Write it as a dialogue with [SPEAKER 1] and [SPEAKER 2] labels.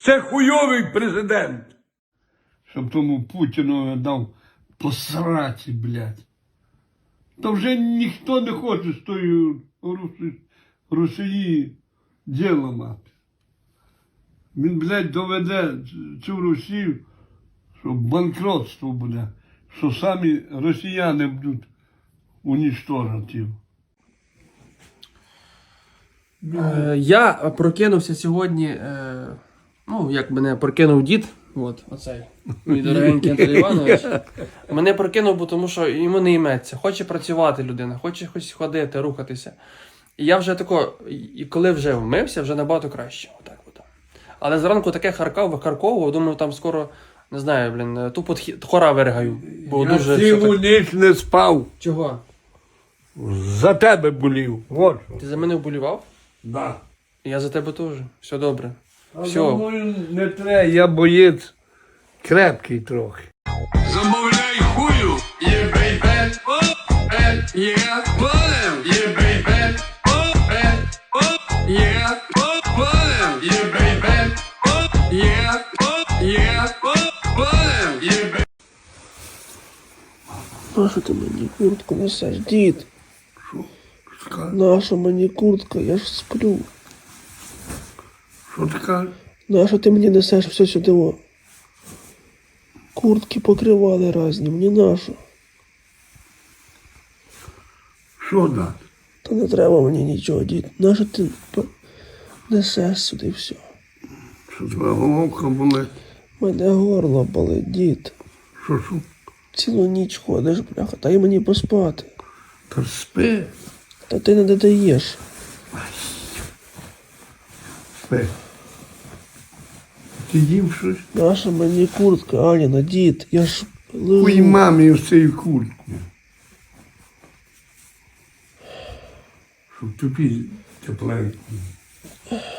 [SPEAKER 1] Це хуйовий президент. Щоб тому Путіну дав посраці, блядь. То вже ніхто не хоче з тої Росії діло мати. Він, блядь, доведе цю Росію, що банкротство буде, що самі росіяни будуть унічтожені.
[SPEAKER 2] Я прокинувся сьогодні, ну, як мене прокинув дід, от, оцей, мій дорогенький Анатолій Іванович. Мене прокинув, бо тому що йому не йметься. Хоче працювати людина, хоче хоч ходити, рухатися. І я вже тако, і коли вже вмився, вже набагато краще. Отак от. Але зранку таке викарковував, думаю, там скоро, не знаю, блін, тупо хора виригаю. Бо
[SPEAKER 1] Я
[SPEAKER 2] дуже
[SPEAKER 1] цілу ніч не спав.
[SPEAKER 2] Чого?
[SPEAKER 1] За тебе болів. Вот.
[SPEAKER 2] Ти за мене вболівав?
[SPEAKER 1] Да.
[SPEAKER 2] Я за тебе теж. Все добре.
[SPEAKER 1] А
[SPEAKER 2] Все.
[SPEAKER 1] за мною не треба, я боєць крепкий трохи.
[SPEAKER 3] Замовляй хую, є бейбе, о, є, полем, є бейбе, о, є, полем, є бейбе, о, є, полем, є бейбе.
[SPEAKER 4] Нащо ти мені куртку несеш, дід?
[SPEAKER 1] Що
[SPEAKER 4] Наша мені куртка, я ж сплю.
[SPEAKER 1] ти кажеш?
[SPEAKER 4] Нащо ти мені несеш все сюди? О? Куртки покривали разні, мені нащо?
[SPEAKER 1] Що дати?
[SPEAKER 4] Та не треба мені нічого, дід. Нащо ти несеш сюди все?
[SPEAKER 1] Що твоя головка болить?
[SPEAKER 4] Мене горло болить, дід.
[SPEAKER 1] Що?
[SPEAKER 4] Цілу ніч ходиш, бляха, дай мені поспати.
[SPEAKER 1] Та спи.
[SPEAKER 4] Та ти не додаєш.
[SPEAKER 1] Спи. Ти їв щось?
[SPEAKER 4] Наша мені куртка, Аніна, дід, я ж лежу.
[SPEAKER 1] Хуй мамі в цій куртці. Щоб тобі тепленько.